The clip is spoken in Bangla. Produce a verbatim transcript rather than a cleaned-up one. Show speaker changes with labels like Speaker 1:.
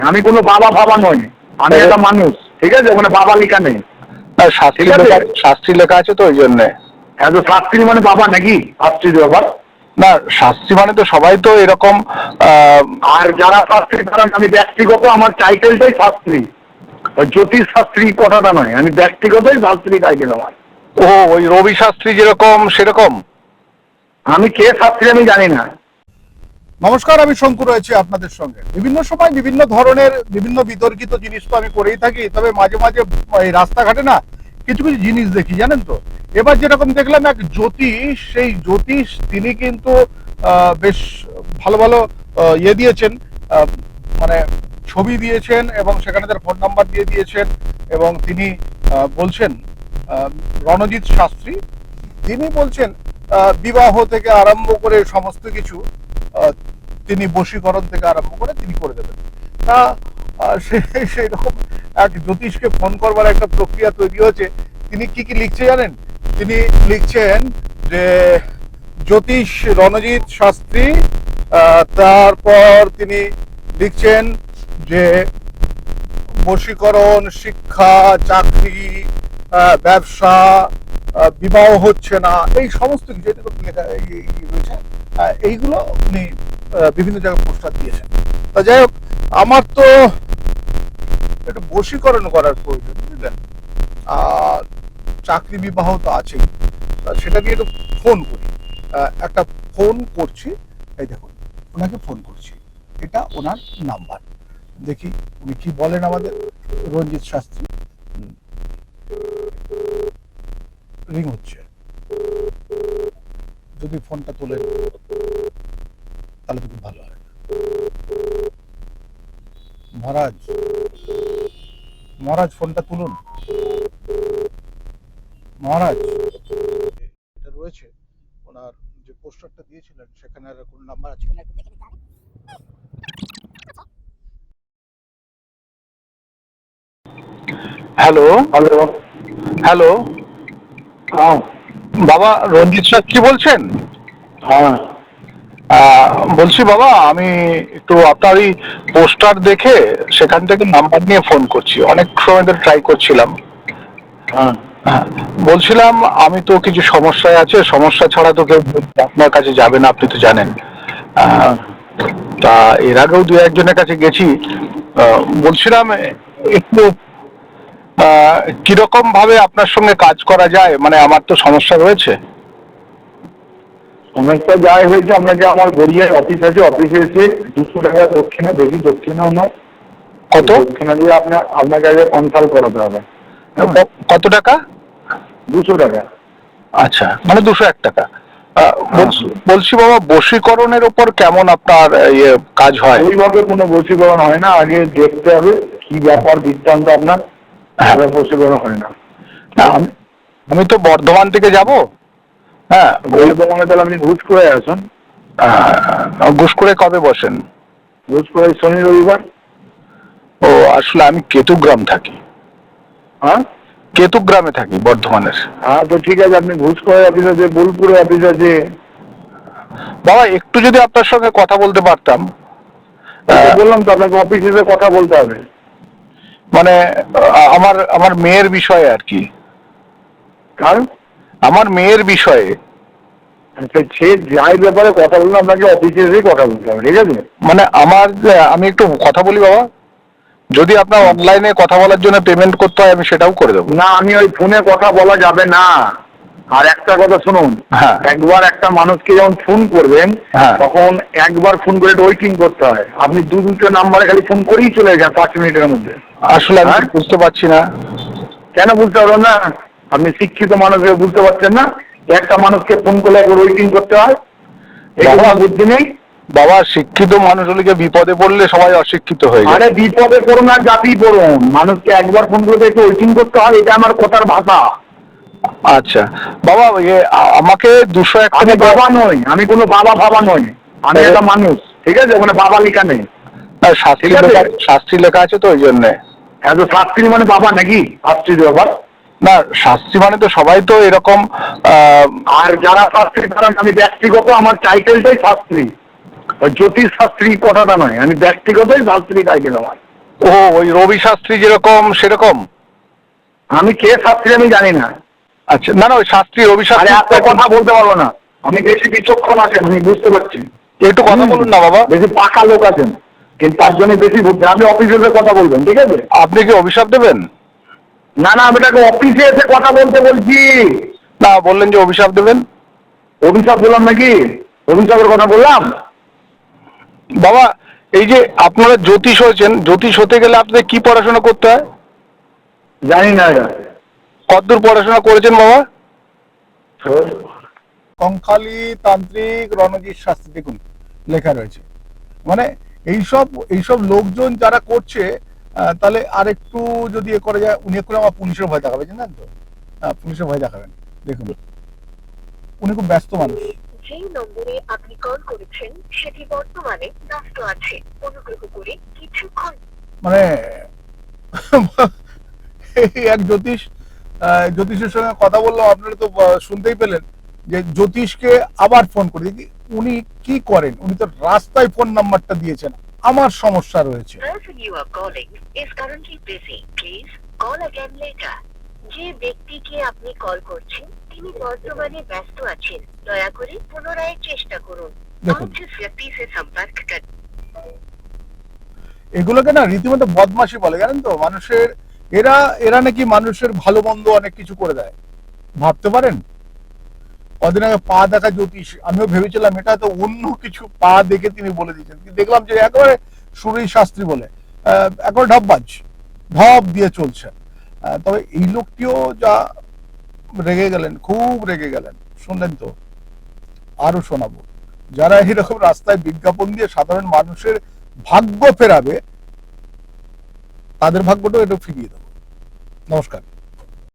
Speaker 1: আমি কোনো বাবা বাবা নই, আমি একটা মানুষ, ঠিক আছে? ওখানে বাবা লেখা নেই।
Speaker 2: শাস্ত্রী লেখা, শাস্ত্রী লেখা আছে তো ওই জন্য।
Speaker 1: এত শাস্ত্রী মানে বাবা নাকি? শাস্ত্রী ব্যাপার
Speaker 2: না, শাস্ত্রী মানে তো সবাই তো এরকম।
Speaker 1: আর যারা শাস্ত্রী তারা, আমি ব্যক্তিগত আমার টাইটেলটাই শাস্ত্রী, জ্যোতিষ শাস্ত্রী কথাটা নয়, আমি ব্যক্তিগতই শাস্ত্রী টাইটেল আমার।
Speaker 2: ও, ওই রবি শাস্ত্রী যেরকম সেরকম?
Speaker 1: আমি কে শাস্ত্রী আমি জানি না।
Speaker 3: নমস্কার, আমি শঙ্কু রয়েছি আপনাদের সঙ্গে। বিভিন্ন সময় বিভিন্ন ধরনের বিভিন্ন বিতর্কিত জিনিস তো আমি করেই থাকি, তবে মাঝে মাঝে এই রাস্তাঘাটে না কিছু কিছু জিনিস দেখি, জানেন তো। এবার যেরকম দেখলাম এক জ্যোতিষ, সেই জ্যোতিষ তিনি কিন্তু বেশ ভালো ভালো ইয়ে দিয়েছেন, মানে ছবি দিয়েছেন এবং সেখানে তার ফোন নাম্বার দিয়ে দিয়েছেন। এবং তিনি বলছেন, রণজিৎ শাস্ত্রী, তিনি বলছেন বিবাহ থেকে আরম্ভ করে সমস্ত কিছু তিনি বশীকরণ থেকে আরম্ভ করে তিনি করে দেবেন। তা সেই রকম এক জ্যোতিষকে ফোন করবার একটা প্রক্রিয়া তৈরি হয়েছে। তিনি কি কি লিখছে জানেন? তিনি লিখছেন যে জ্যোতিষ রণজিৎ শাস্ত্রী, তারপর তিনি লিখছেন যে বশীকরণ, শিক্ষা, চাকরি, ব্যবসা, বিবাহ হচ্ছে না, এই সমস্ত কিছু লেখা রয়েছে। এইগুলো উনি বিভিন্ন জায়গায় পোস্টার দিয়েছেন। তা যাই হোক, আমার তো একটু বশীকরণ করার প্রয়োজন, বুঝলেন। আর চাকরি বিবাহ তো আছেই, সেটা দিয়ে একটু ফোন করি। একটা ফোন করছি, এই দেখুন, ওনাকে ফোন করছি, এটা ওনার নাম্বার। দেখি উনি কি বলেন আমাদের রঞ্জিত শাস্ত্রী। রিং হচ্ছে, যদি ফোনটা তুলে তাহলে তো খুব ভালো হয়। মহারাজ, মহারাজ ফোনটা তুলুন। মহারাজ, এটা রয়েছে ওনার যে পোস্টারটা দিয়েছিলেন, সেখানে আর কোন নাম্বার আছে কিনা একটু দেখে নিতে হবে।
Speaker 2: হ্যালো
Speaker 1: হ্যালো
Speaker 2: হ্যালো
Speaker 1: হ্যাঁ
Speaker 2: বাবা রঞ্জিত শাস্ত্রী বলছেন?
Speaker 1: হ্যাঁ
Speaker 2: বলছি বাবা, আমি একটু আপনার এই পোস্টার দেখে সেখান থেকে নাম্বার নিয়ে ফোন করছি, অনেক সময় ধরে ট্রাই করছিলাম।
Speaker 1: হ্যাঁ
Speaker 2: হ্যাঁ, বলছিলাম আমি তো কিছু সমস্যায় আছে, সমস্যা ছাড়া তো কেউ আপনার কাছে যাবে না, আপনি তো জানেন। তা এর আগেও দু একজনের কাছে গেছি। বলছিলাম একটু কিরকম ভাবে আপনার সঙ্গে কাজ করা যায়, মানে আমার তো সমস্যা রয়েছে।
Speaker 1: সমস্যা যাই হয়েছে, আপনাকে আমার গড়িয়ায় অফিস আছে, অফিসে এসে দুশো টাকা দক্ষিণা বেশি দক্ষিণাও নয়,
Speaker 2: কত
Speaker 1: দক্ষিণা দিয়ে আপনার আপনাকে আগে কনসাল্ট করাতে হবে।
Speaker 2: কত টাকা?
Speaker 1: দুশো টাকা।
Speaker 2: আচ্ছা, মানে দুশো এক টাকা। বলছি বাবা, বশীকরণের উপর কেমন আপনার ইয়ে কাজ হয়?
Speaker 1: ওইভাবে কোনো বশীকরণ হয় না, আগে দেখতে হবে কি ব্যাপার বৃত্তান্ত আপনার, বশীকরণ হয় না।
Speaker 2: আমি তো বর্ধমান থেকে যাব। হ্যাঁ,
Speaker 1: বর্ধমানে তাহলে আপনি ঘুষ করে আসুন।
Speaker 2: ঘুষ করে কবে বসেন?
Speaker 1: ঘুষ করে শনি রবিবার।
Speaker 2: ও, আসলে আমি কেতুগ্রাম থাকি।
Speaker 1: হ্যাঁ,
Speaker 2: কেতুগ্রামে থাকি বর্ধমানের।
Speaker 1: হ্যাঁ, তো ঠিক আছে, আপনি ঘুষ করে অফিস আছে, বোলপুরে অফিস আছে।
Speaker 2: বাবা, একটু যদি আপনার সঙ্গে কথা বলতে পারতাম।
Speaker 1: বললাম তো আপনাকে অফিসে এসে কথা বলতে হবে,
Speaker 2: মানে আমার আমার মেয়ের বিষয়ে আর কি।
Speaker 1: কারণ
Speaker 2: আমার মেয়ের বিষয়ে
Speaker 1: সে যাই ব্যাপারে কথা বললাম, আপনাকে অফিসে এসে কথা বলতে হবে, ঠিক আছে?
Speaker 2: মানে আমার, আমি একটু কথা বলি বাবা, যদি আপনার অনলাইনে কথা বলার জন্য পেমেন্ট করতে হয় আমি সেটাও করে দেবো।
Speaker 1: না, আমি ওই ফোনে কথা বলা যাবে না। আর একটা কথা শুনুন, একবার একটা মানুষকে যখন ফোন করবেন তখন একবার ফোন করে ওয়েটিং করতে হয়। আপনি দু দুটো নাম্বারে খালি ফোন করেই চলে যান পাঁচ মিনিটের মধ্যে।
Speaker 2: আসলে আমি বুঝতে পারছি না।
Speaker 1: কেন বুঝতে পারবেন না? আপনি শিক্ষিত মানুষকে বুঝতে পারছেন না? একটা মানুষকে ফোন করলে একবার ওয়েটিং করতে হয়, এটা বুদ্ধি নেই?
Speaker 2: বাবা, শিক্ষিত মানুষ হলে বিপদে পড়লে সবাই অশিক্ষিত হয়ে যায়।
Speaker 1: আরে বিপদে পড়ুন আর জাতি পড়ুন, মানুষকে একবার ফোন করতে একটু ওয়েটিং করতে হয়, এটা আমার কথার ভাষা।
Speaker 2: আচ্ছা বাবা, আমাকে দুশো এক
Speaker 1: আমি বাবা নই, আমি কোনো বাবা বাবা নই, আমি একটা মানুষ, ঠিক আছে? ওখানে বাবা লেখা নেই।
Speaker 2: শাস্ত্রী লেখা, শাস্ত্রী লেখা আছে তো ওই জন্য।
Speaker 1: এত শাস্ত্রী মানে বাবা নাকি? শাস্ত্রীর ব্যাপার
Speaker 2: না, শাস্ত্রী মানে তো সবাই তো এরকম।
Speaker 1: আর যারা শাস্ত্রী তারা, আমি ব্যক্তিগত আমার টাইটেলটাই শাস্ত্রী, জ্যোতিষ শাস্ত্রী কথাটা নয়, আমি ব্যক্তিগতই শাস্ত্রী টাইটেল আমার।
Speaker 2: ও ওই রবি শাস্ত্রী যেরকম সেরকম?
Speaker 1: আমি কে শাস্ত্রী আমি জানি না।
Speaker 2: আচ্ছা, না না ওই শাস্ত্রী রবি
Speaker 1: আরে এত
Speaker 2: শাস্ত্রী।
Speaker 1: কথা বলতে পারবো না, আমি বেশি বিচক্ষণ আছেন আমি বুঝতে পারছি।
Speaker 2: একটু কথা বলুন না বাবা।
Speaker 1: বেশি পাকা লোক আছেন, কিন্তু তার জন্য বেশি বুঝতে, আপনি অফিসে এসে কথা বলবেন, ঠিক আছে?
Speaker 2: আপনি কি অভিশাপ দেবেন?
Speaker 1: না না, আমি তাকে অফিসে এসে কথা বলতে বলছি।
Speaker 2: না, বললেন যে অভিশাপ দেবেন।
Speaker 1: অভিশাপ বললাম নাকি? অভিশাপের কথা বললাম?
Speaker 2: বাবা এই যে আপনারা জ্যোতিষ হয়েছেন, জ্যোতিষ হতে গেলে আপনাদের কি পড়াশোনা করতে হয়?
Speaker 1: জানি না।
Speaker 2: কতদূর পড়াশোনা করেছেন বাবা?
Speaker 3: কঙ্কালী তান্ত্রিক রণজিৎ শাস্ত্রী, দেখুন লেখা রয়েছে। মানে এইসব এইসব লোকজন যারা করছে, আহ, তাহলে আর একটু যদি এ করা যায়, উনি করে আমার পুলিশের ভয় দেখাবে, জানেন তো? হ্যাঁ, পুলিশের ভয় দেখাবেন। দেখুন উনি খুব ব্যস্ত মানুষ।
Speaker 4: যে নম্বরে আপনি কল করেছেন সেটি বর্তমানে ব্যস্ত আছে, অনুগ্রহ করে কিছুক্ষণ।
Speaker 3: মানে এই এক জ্যোতিষ, আহ, জ্যোতিষের সঙ্গে কথা বললাম, আপনারা তো আহ, শুনতেই পেলেন যে জ্যোতিষকে আবার ফোন করে দেখি উনি কি করেন। উনি তো রাস্তায় ফোন নাম্বারটা দিয়েছেন, আমার সমস্যা রয়েছে।
Speaker 4: person you are calling is currently busy. Please call again later. যে ব্যক্তিকে আপনি কল করছেন তিনি বর্তমানে ব্যস্ত আছেন, দয়া করে পুনরায় চেষ্টা করুন।
Speaker 3: দেখুন।
Speaker 4: आप जिस व्यक्ति से संपर्क कर
Speaker 3: এগুলোকে না রীতিমতো বদমাশি বলে, জানেন তো? মানুষের এরা এরা নাকি মানুষের ভালো মন্দ অনেক কিছু করে দেয়, ভাবতে পারেন? কদিন আগে পা দেখা জ্যোতিষ, আমিও ভেবেছিলাম এটা তো অন্য কিছু, পা দেখে তিনি বলে দিয়েছেন। কিন্তু দেখলাম যে একেবারে সুরী শাস্ত্রী বলে, আহ, একেবারে ঢপবাজ, ঢপ দিয়ে চলছে। আহ, তবে এই লোকটিও যা রেগে গেলেন, খুব রেগে গেলেন। শুনলেন তো? আরো শোনাবো। যারা এরকম রাস্তায় বিজ্ঞাপন দিয়ে সাধারণ মানুষের ভাগ্য ফেরাবে, তাদের ভাগ্যটাও একটু ফিরিয়ে দেবো। নমস্কার।